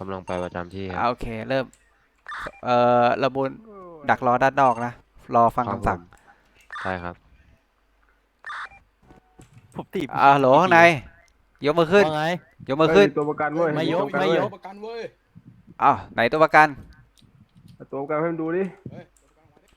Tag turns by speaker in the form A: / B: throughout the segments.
A: กำลังไปประจำที่ครับ
B: โอเคเริ่มระบุนดักรอด้านนอกนะรอฟัง
A: ครับผ
B: คำสั่ง
A: มใช่ครับ
C: ผมตี
B: โหลข้างในยกมือขึ้น
C: ว่าไง
B: ยกมือ
D: เฮ้ย
B: ขึ้น
D: มีตัวประกันเว้ย
C: ไม่
D: มี
C: ยก
D: ตัวประกันเว้ย
C: ไม่ยก
E: ประกันเว้ย
B: ไหนตัวประกัน
D: เอาตัวประกันให้มันดูดิ
E: เฮ้ยตัวประกันมาดิ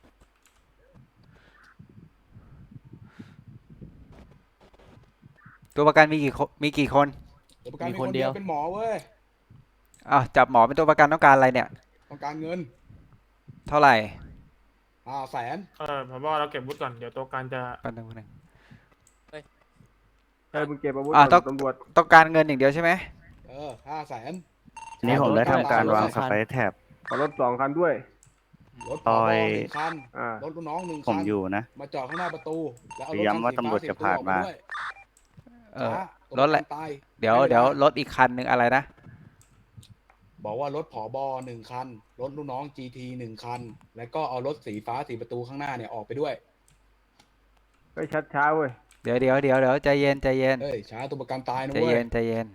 B: ตัวประกันมีกี่คน
E: ตัวประกัน
C: มี
E: มี
C: ค
E: คน น
C: เดี
E: เดี
C: ย
E: ยว วเป็นหมอเว้ย
B: จับหมอเป็นตัวประกันต้องการอะไรเนี่ย
E: ต้องการเงิน
B: เท่าไหร่
E: 500,000
F: ผมว่าเราเก็บวุฒิก่อน เดี๋ยวตัวการจะ
B: แป๊บนึง
D: เฮ้ยมึงเก็บอาวุธ
B: ต้
D: ก่
B: อ
D: อง นตำรวจ
B: ต้องการเงินอย่างเดียวใช่ไหม
E: 500,000
C: ทีนี้ผมได้ทำการวางส
E: ไป
C: ไปร์แท็บ
D: ขอรถ2 คันด้วย
E: รถผบหนึ่งคัน
D: อ่าร
E: ถลูกน้อง1
C: ผม
E: คัน
C: อยู่นะ
E: มาจอดข้างหน้าประตูแล้วเอารถ
C: ย้ำว่าตำรวจจะผ่านมา
B: รถอะไร
E: ตาย
B: เดี๋ยวรถอีกคันหนึ่งอะไรนะ
E: บอกว่ารถผบ1 คันรถลูกน้อง GT 1 คัน แล้วก็เอารถสีฟ้า4 ประตูข้างหน้าเนี่ยออกไปด้วย
D: เฮ้ยชัดช้าเว้ย
B: เดี๋ยวใจเย็น
E: เฮ้ยช้าตัวประกันตายนะ
B: ใจ
E: เว้
B: เย็
E: ย
B: น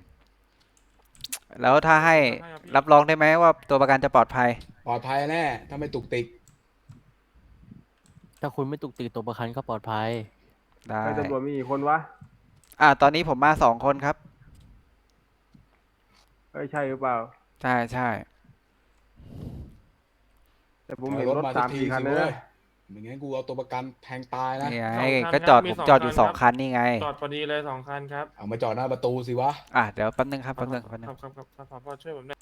B: แล้วถ้าให้รับรองได้ไหมว่าตัวประกันจะปลอดภัย
E: ปลอดภัยแน่ถ้าไม่ตุกติก
C: ถ้าคุณไม่ตุกติกตัวประกันก็ปลอดภัย
B: ได้
D: เฮ้ยตำรวจมีกี่คนวะ
B: ตอนนี้ผมมา2 คนครับ
D: เฮ้ยใช่หรือเปล่า
B: ใช่
D: แต่ผมเห็น
E: เอา
D: รถ
E: มา
D: สาม
E: สักที
D: สี่คัน
E: สิ
D: เลย
E: เว้
D: นะ
E: ย ไม่งั้นกูเอาตัวประกันแทงตายนะ
B: นี่ไง
F: 2 คัน
B: ก็
F: ครับ
B: ผม
F: มี
B: จอดอยู่
F: 2
B: 2 คันนี่ไง
F: จอดพอดีเลย2 คันครับ
E: เอามาจอดหน้าประตูสิวะ
B: เดี๋ยวแป๊บนึงครับ
F: ครับผอช่วยผมหน่อย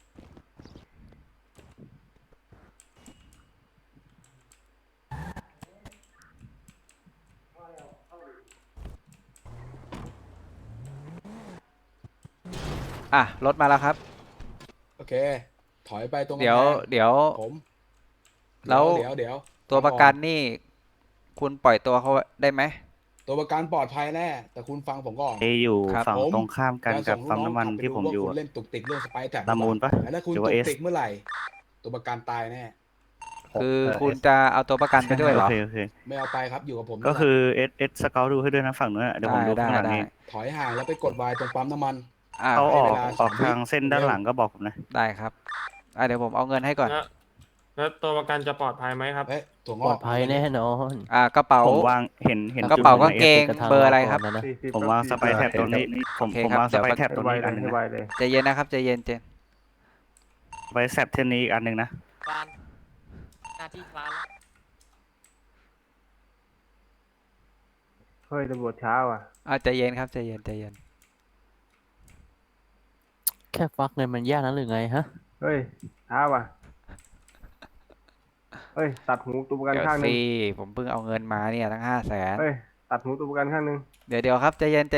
B: รถมาแล้วครับ
E: โอเค ถอยไปตรงกำ
B: เดี๋ยว
E: แพง
B: เดี๋ยว
E: ผม
B: แล้ว
E: เดี๋ยว
B: ตัวประกันนี่ คุณปล่อยตัวเขาได้ไหม
E: ตัวประกันปลอดภัยแน่แต่คุณฟังผมก่อน
C: เออยู่
B: ครับ
C: ฝั่ง
E: ผม
C: ตรงข้ามกัน
E: จะ
C: กั
E: ส่
C: บ
E: งลู
C: ปั๊ม
E: น้อง
C: น้ำมัน
E: ขับไป
C: ที่
E: ดู
C: ผม
E: ว่า
C: อยู่
E: คุณ
C: อะ
E: เล่นตุกติกเรื่องสไปร์แท็บ
C: ละมูลปะ
E: แล้วถ้าคุณ
C: หรือ
E: ตุ
C: ว่า
E: ก
C: S
E: ติกเมื่อไหร่ ตัวประกันตายแน่
B: คือคุณจะเอาตัวประกันไปด้วยเหรอ
C: โอเค
E: ไม่เอาไปครับอยู่กับผม
C: ก็คือเอสสเกลดูให้ด้วยนะฝั่งนู้นอะเดี๋ยวผมดู
B: ได้
C: ข้างหลัง
B: ได้
C: เอง
E: ถอยห่างแล้วไปกดวายตรงปั๊มน้ำมัน
C: เขาออก
E: ให้เวลา
C: ออก
E: 3 วิ
C: ทางเส้นด้านหลังก็บอกผมนะ
B: ได้ครับเดี๋ยวผมเอาเงินให้ก่อน
F: แล้วตัวประกันจะปลอดภัยไหมครับ
E: เฮ้ยถั่วง
C: ปล
E: อ
C: อก ดภัยแน่นอน
B: กระเป๋า
C: ผมวางเห็น
B: กระเป๋า
C: จุด
B: กางเกง
C: ใน S
B: เบอร์อะไรครับ
C: ก่นนะ
D: 40
C: ผมวางสไปร์แท็บตรงนี้ผม
B: โอเค
C: ผม
B: ครับ
C: วางสไปร์แท็บ
D: ให้
C: ตรง
D: ไว
C: นี้อีก
D: เล
C: อั
D: ย
C: นหนึง
D: ให้
C: นะ
D: ไวเลย
B: ใจเย็นนะครับใจเย็น
C: สไปร์แท็บเทนนี้อีกอันหนึงนะ
G: การหน้าที่คลานแล้ว
D: เฮ้ยตำรวจช้าว่ะ
B: ใจเย็นครับใจเย็น
C: แค่ฟักเงินมันยากนั้นหรือไงฮะ
D: เฮ้ยช้าว่ะเฮ้ยตัดหูตัวประกัน
B: เดี๋ยว
D: ข้างหนึง
B: สิผมเพิ่งเอาเงินมาเนี่ยตั้ง500,000
D: เฮ้ยตัดหูตัวประกันข้างหนึง
B: เดี๋ยวครับใจเย็น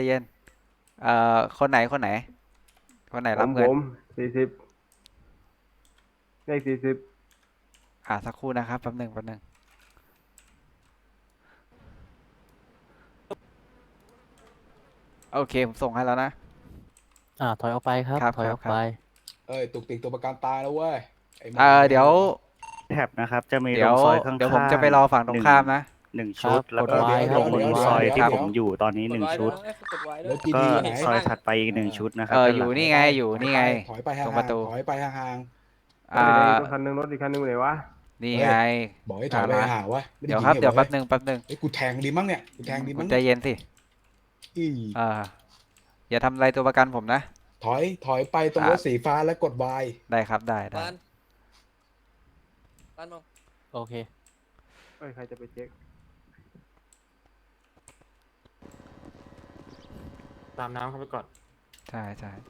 B: คนไหนคนไหนรับเงิน
D: ผม40เลข40
B: สักครู่นะครับแป๊บหนึงโอเคผมส่งให้แล้วนะ
C: ถอยออกไปครับ
B: ครับ
C: ถอยออก
B: ครับ
C: ไป
E: เอ้ยตุกติกตัวประกันตายแล้วเว้ยไอ้หม
B: เดี๋ยว
C: แท็บนะครับ จะมี
B: เดี๋
C: ต
B: ย
C: ร
B: ว
C: งซอยข้างๆ
B: เดี๋ยวผมจะไปรอฝั่งตรงข้ามนะ
C: หนึ่งชุดครับแล้วก็กดไว้ครับ ตรง
E: เดี๋ยว
C: ซอย
E: เดี๋ยว
C: ที่
E: เดี๋ยว
C: ผมอยู่ตอนนี้หนึ่งชุด
G: กดไว้ด้
E: ร
G: วย
E: ถจี
C: ก็
E: ดีไหน
C: ซอยถัดไปอีกหนึ่งชุดนะครับ
B: อยู่นี่ไงอยู่นี่ไง
E: ถอยไปห่า
B: ตรง
E: ง
B: ประตู
E: ๆถอยไปห่าง
B: อ่า
D: รถคันหนึงรถอีกคันหนึงอยู่ไหนวะ
B: นี่ไง
E: ๆบอกให้ถอยไปห่างๆวะไม่ไ
B: เดี๋ยวครับ
E: ง
B: เดี๋ยว
E: หรอ
B: แป๊บหนึง
E: เฮ้ยกูแทงดีมั้งเนี่ยกูแทงดี
B: คุ
E: มั้
B: ณ
E: ง
B: ใจเย็นสิ
E: อี
B: อย่าทำอะไรตัวประกันผมนะ
E: ถอยไปตรงรถสีฟ้าแล้วกดวาย
B: ได้ครับได้
G: บ้านบ้านมอง
C: โอเค
D: เฮ้ยใครจะไปเช็ค
F: ตามน้ำเข้าไปก่อน
B: ใช่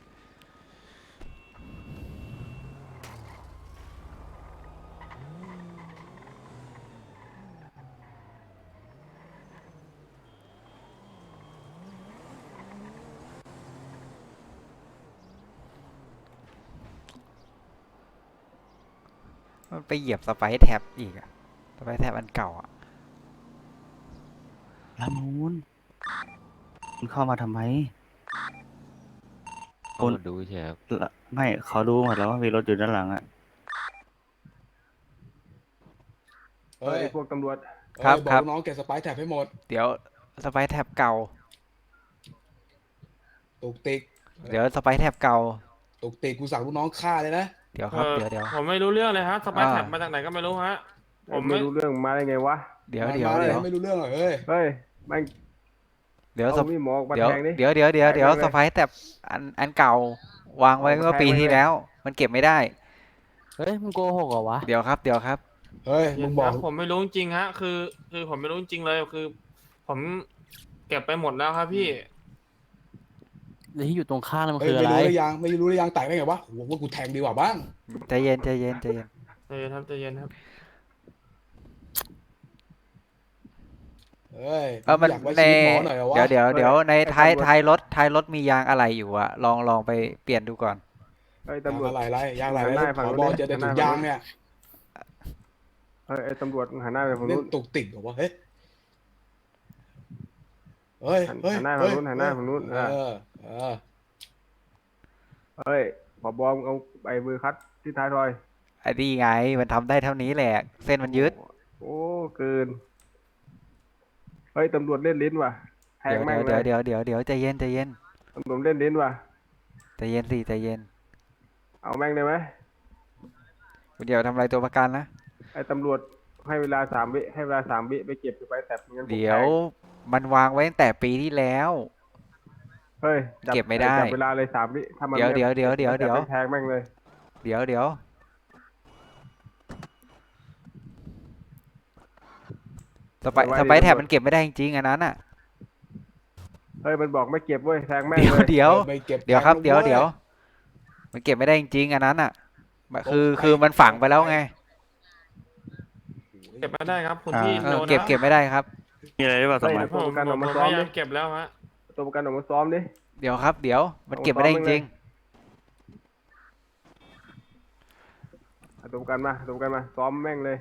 B: มันไปเหยียบสไปร์แท็บอีกอะสไปร์แท็บอันเก่าอะ
C: ละมูลคุณเข้ามาทำไม
A: เอามาดูเฉยครับ
C: ไม่เขารู้หมดแล้วว่ามีรถอยู่ด้านหลังอะ
D: เฮ้ยพวกตำรวจ
E: บอกน้องเก็บสไปร์แท็บให้หมด
B: เดี๋ยวสไปร์แท็บเก่า
E: ตุกติก
B: เดี๋ยวสไปร์แท็บเก่า
E: ตุตุกติกกูสั่งลูกน้องฆ่าเลยนะ
B: เดี๋ยวครับเดี๋ยว
F: ผมไม่รู้เรื่องเลยฮะสปาย
B: อ่า
F: แท็บมาจากไหนก็ไม่รู้ฮะ ผม
D: ไม่รู้เรื่องมาได้ไงวะ
B: เดี๋ยว
E: มา
B: เดี๋ยว
E: มา
B: เดี๋ยว
E: ไม่รู้เรื่องเหรอเฮ้ย
D: เฮ้ยแม่ง
B: เดี๋ยว
D: เอามีดหมอออกมา
B: เดี๋ยว
D: แทงดิ
B: เดี๋ยว
D: แทง
B: เดี๋ยว
D: เลย
B: สไปซ์แต่อันเก่าวางไว้
D: เอามา
B: เมื่อ
D: แทง
B: ปี
D: ไว้
B: ที่
D: เลย
B: แล้ว มันเก็บไม่ได้
C: เฮ้ยมึงโกหกเหรอวะ
B: เดี๋ยวครับ
E: เฮ้ยมึงบอก
F: ผมไม่รู้จริงๆฮะ คือผมไม่รู้จริงๆเลยคือ ผมเก็บไปหมดแล้วครับพี่
C: แล้วที่อยู่ตรงข้างนั่นมัน
E: เฮ้ย
C: คือ
E: ไม่
C: อะไร
E: รู้หรือยังไม่รู้หรือยังแตกได้ไงวะโหว่ากูแทงดีกว่าบ้าง
B: ใจเย็น
F: ใจเย็นครับใจเย็นครับ
E: เฮ้ย
B: มัน
E: อยากไว้
B: ใน
E: ชีวิตหมอหน่อยเหรอวะ
B: เดี๋ยวในท้ายรถมียางอะไรอยู่อะลองไปเปลี่ยนดูก่อน
D: เฮ้ย
E: ยาง
D: ตำรวจ
E: อะไรไรยางอะไร
D: หันหน้า
E: ผ
D: ฝั่ง
E: อ
D: นู้น
E: เจอแต่
D: หันห
E: ถุ
D: น้าง
E: ยางเนี่ย
D: เฮ้ยไอ้ตำรวจมึงหันหน้าไปฝั่ง
E: เล่
D: นู้
E: น
D: น
E: ตุกติกเหรอวะเฮ้ยเฮ้ย
D: หันหน้าฝั่งนู้นหันหน้าฝั่งนู้น
E: เออ
D: เฮ้ยผบมึงเอาไอ้มือคัดที่ท้ายทอย
B: ไอ้นี่ไงมันทำได้เท่านี้แหละ เส้นมันยืด
D: โอ้เกินเฮ้ยตำรวจเล่นลิ้นว่ะแทงแม่งเลย
B: เดี๋ยวใจเย็น
D: ตำรวจเล่นลิ้นว่ะ
B: ใจเย็น
D: เอาแม่งได้ไหม
B: เดี๋ยวทำอะไรตัวประกันนะ
D: ไอ้ตำรวจให้เวลา3 วิให้เวลา3 วิไปเก็บไปแต่งั้นผม
B: เดี๋ยว
D: แทง
B: มันวางไว้ตั้งแต่ปีที่แล้ว
D: เฮ้ยจั
B: เก็บไม่ได้
D: จับเวลาเลย3 วิถ้ามัน
B: เดี๋ยว
D: ไม่
B: เดี๋ยว
D: จับไปแทงแม่งเลย
B: เดี๋ยวสไปซ์แท็บมันเก็บไม่ได้จริงๆอันนั้นอ่ะ
D: เฮ้ยมันบอกไม่เก็บเว้ยแทงแม่ง
B: เดี๋ยว
D: เลย
B: เดี๋ยว
E: ไม่เก็บ
B: เดี๋ยวครับ
E: แทง
B: เดี๋ยว
E: ว้
B: มันเก็บไม่ได้จริงๆอันนั้นอ่ะคือมันฝังไปแล้วไง
F: เก็บไม่ได้ครับคุณ
B: อ่า
F: พี่
B: เอ
F: โด
B: อน เก็บไม่ได้ครับ
C: มีอะไรหรือเปล่าส
D: เฮ้ย
C: มัย
D: ตัวประกันออกมา
F: ผม
D: ซ้อ
F: พ
D: ม
F: ยา
D: ดิ
F: ยามเก็บแล้วฮะ
D: ตัวประกันออกมาซ้อมดิ
B: เดี๋ยวมันเก็บไม่ได้จริง
D: เอาตัวประกันมาตัวประกันมาซ้อมแม่งเลย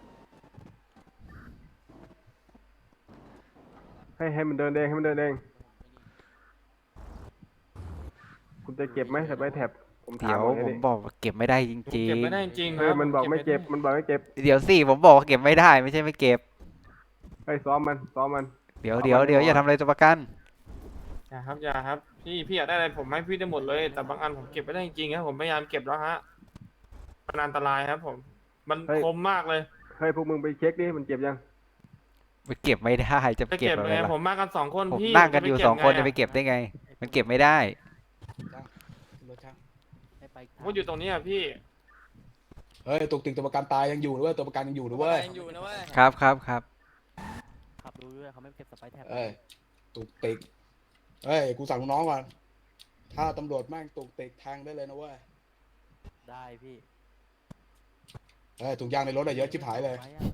D: ให้มันเดินเองให้มันเดินเองคุณจะเก็บไหมแต่ไปแท็บผม
B: ๆ
D: ถา
B: เดี๋
D: ม
B: ยว
D: แค่
B: ผม
D: นี้
B: บอกว่าเก็บไม่ได้จ
F: ผม
B: ริง
F: เก็บไม่ได้จริงๆค
D: เฮ้ย
F: รับ
D: มันบอกไม่เก็บมันบอกไม่เก็บ
B: ๆเดี๋ยวสิผมบอกว่าเก็บไม่ได้ไม่ใช่ไม่เก็บ
D: เฮ้ยซ้อมมัน
B: เดี๋ยว
D: เอา
B: เดี๋ยว
D: มา
B: เดี๋ยว
D: ก่อน
B: อย่าทำอะไรตัวประกัน
F: อย่าครับพี่อยากได้อะไรผมให้พี่ได้หมดเลย แต่บางอันผมเก็บไม่ได้จริงๆครับผมพยายามเก็บแล้วฮะมันอันตรายครับผม มันคมมากเลย
D: เฮ้ยพวกมึงไปเช็คดิมันเก็บยัง
B: มันเก็บไม่ได้จะ
F: จะ
B: เก็บ
F: เก็บ
B: อะไร
F: ไง
B: ล่ะ
F: ผมมากันสองคน
B: ผม
F: พี่
B: นั่งกันอยู่
F: จะ
B: สองคน
F: ไ
B: จะไปเก็บได้ไง มันเก็บไม่ได้
E: รถช่าง
F: ผมก็อยู่ตรงนี้อะพี่
E: เฮ้ยตุกติกตัวประกันตายยังอยู่ด้วยตัวประกันยังอยู่ด้วย
G: ยังอยู่นะเว้ย
B: ครับ
C: ขับดูด้วยเขาไม่เก็บสไปซ์แท็บ
E: เอ้ยตุกติกเฮ้ยกูสั่งลูกน้องก่อนถ้าตำรวจแม่งตุกติกแทงได้เลยนะเว้ย
C: ได้พี่
E: เฮ้ยถุงยางในรถอะเยอะชิบหายเลย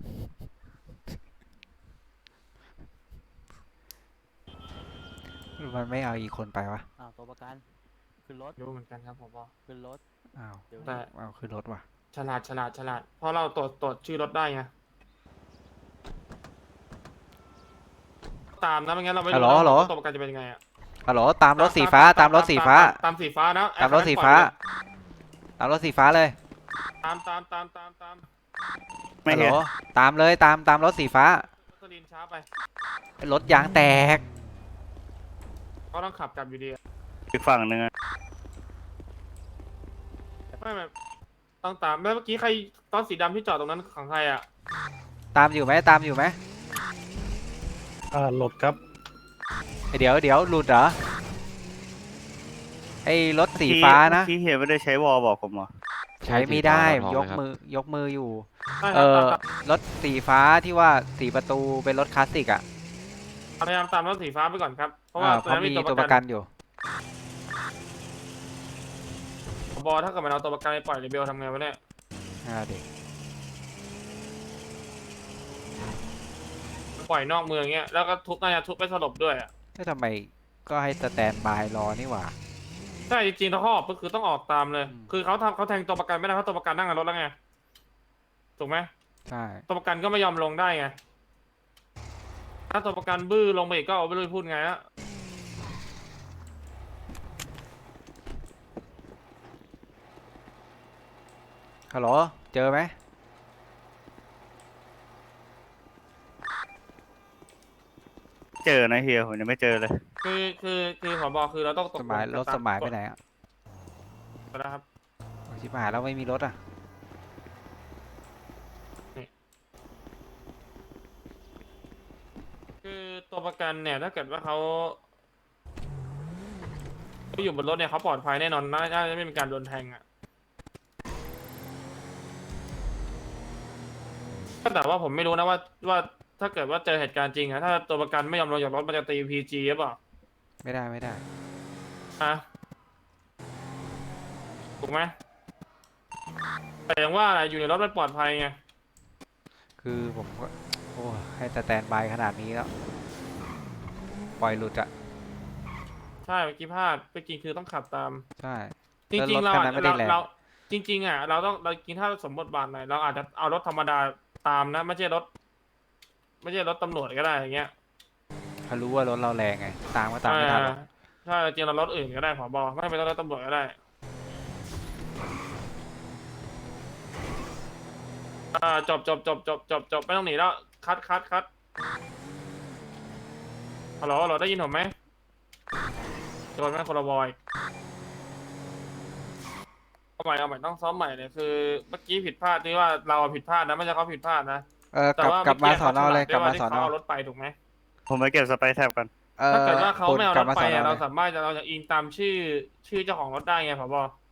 B: มันไม่เอาอีกคนไปวะ
C: อ้าวตัวประกันขึ้นรถ
F: รู้เหมือนกันครับผมบอก
C: ขึ้นรถ
B: อ้าว
C: เดี๋ยว
F: แต่
B: เอาขึ้นรถว่ะ
F: ฉลาดเพราะเราตรวจชื่อรถได้ไงตามนะไม่งั้นเราไม่รู้นะว่าตัวประกันจะเป็นยังไงอะ
B: ฮัลโหลตามรถสีฟ้าตามรถสีฟ้า
F: ตามสีฟ้านะ
B: ตามรถสีฟ้า ตามรถสีฟ้าเลย
F: ตาม
C: ไม่
B: ฮัลโหล
C: เห็น
B: ตามเลยตามรถสีฟ้า
F: สลินช้าไป
B: รถยางแตก
F: เขาต้องขับกลับอยู่ดีอะ
C: อีกฝั่งหนึ่งอะ
F: ไม่ต้องตามแล้วเมื่อกี้ใครตอนสีดำที่จอดตรงนั้นของใครอ่ะ
B: ตามอยู่ไหม
C: หลดครับ
B: เดี๋ยวหลุดเหรอไอ้รถสีฟ้านะ
C: ที่เฮียไม่ได้ใช้วอลบอกผมเหรอ
B: ใช้ไม่ได้
A: สีฟ้า
B: ย
A: เรา
B: ก
A: ถอนไหมครับ
B: ยกมืออยู่
F: ใช่ครับตาม
B: รถสีฟ้าที่ว่าสีประตูเป็นรถคลาสสิกอ่ะ
F: พยายามตามรถสีฟ้าไปก่อนครับ เพราะว่าตอน
B: เขา
F: นั้น
B: มี
F: มี
B: ตั
F: ตัว ว
B: ป
F: ประ ระ
B: กั
F: กัน น
B: อยู่
F: บอถ้าเกิดมันเอาตัวประกันไปปล่อยเรเบลทำไงวะเนี่ย
B: เด็ก
F: ปล่อยนอกเมืองเงี้ยแล้วก็น่าจะทุบไปสลบด้วยอ่ะ
B: ก็ทำไมก็ให้สแตนบายรอนี่หว่า
F: ใช่จริงๆถ้าเขาออกก็คือต้องออกตามเลย
B: อืม
F: คือเขาแทงตัวประกันไม่ได้เพราะตัวประกันนั่งในรถแล้วไงถูกไหม
B: ใช่
F: ตัวประกันก็ไม่ยอมลงได้ไงถ้าตัวประกันบื้อลงไปอีกก็เอาไปเลยพูดไงฮะ
B: ฮัลโหลเจอไหม
C: เจอนะเฮียผมยังไม่เจอเลย
F: คือผบคือเราต้องต
B: ส
F: ก
B: มัย
F: ลง
B: รถ
F: ต
B: สมัยไปไหนอ่ะ
F: เอแล้วครับ
B: โอ้ยชิบหายแล้วไม่มีรถอ่ะ
F: คือตัวประกันเนี่ยถ้าเกิดว่าเขาอยู่บนรถเนี่ยเขาปลอดภัยแน่นอนน่าจะไม่มีการโดนแทงอ่ะแต่ว่าผมไม่รู้นะว่าถ้าเกิดว่าเจอเหตุการณ์จริงอะถ้าตัวประกันไม่ยอมลงจากรถมันจะตี PG หรือเปล่า
B: ไม่ได้ไม่ได้
F: อะถูกไหมแต่อย่างว่าอะไรอยู่ในรถมันปลอดภัยไง
B: คือผมก็โอ้ให้สแตนบายขนาดนี้แล้วปล่อยหลุดอ่ะ
F: ใช่เมื่อกี้พลาดจริงๆคือต้องขับตาม
B: ใช่
F: จริงๆ
B: แล้ว
F: เรา
B: รถคันนั้นไม่ได้แรง
F: เราจริง ๆอ่ะเราต้องเราจริงถ้าสมบทบาทหน่อยเราอาจจะเอารถธรรมดาตามนะไม่ใช่รถตำรวจก็ได้อย่างเงี้ย
B: เขารู้ว่ารถเราแรงไงตามก็ตามไม่ทันหรอก
F: ถ้าจริงเรารถอื่นก็ได้ผบไม่เป็นรถตำรวจก็ได้จบไม่ต้องหนีแล้วคัดฮัลโหลได้ยินผมไหมโดนแม่คนละวอยเอาใหม่ต้องซ้อมใหม่เลยคือเมื่อกี้ผิดพลาดที่ว่าเราผิดพลาดนะไม่ใช่เขาผิดพลาดนะ
B: กลับ
F: ว่
B: กลับมา
F: เกี้
B: สอนอเลยกลับมา
F: ที่
B: สอนอ
F: เขาเอารถไปถูกไหม
C: ผมไปเก็บสไปร์แท็บกัน
B: เออ
F: ถ้าเกิดว่าเขาไม่เอา
B: ก
F: ร
B: ลับ
F: ถ
B: มา
F: ไป
B: สอนอ
F: อะ
B: เล
F: เรา
B: ย
F: สามารถเราจะอิงตามชื่อเจ้าของรถได้ไงผบ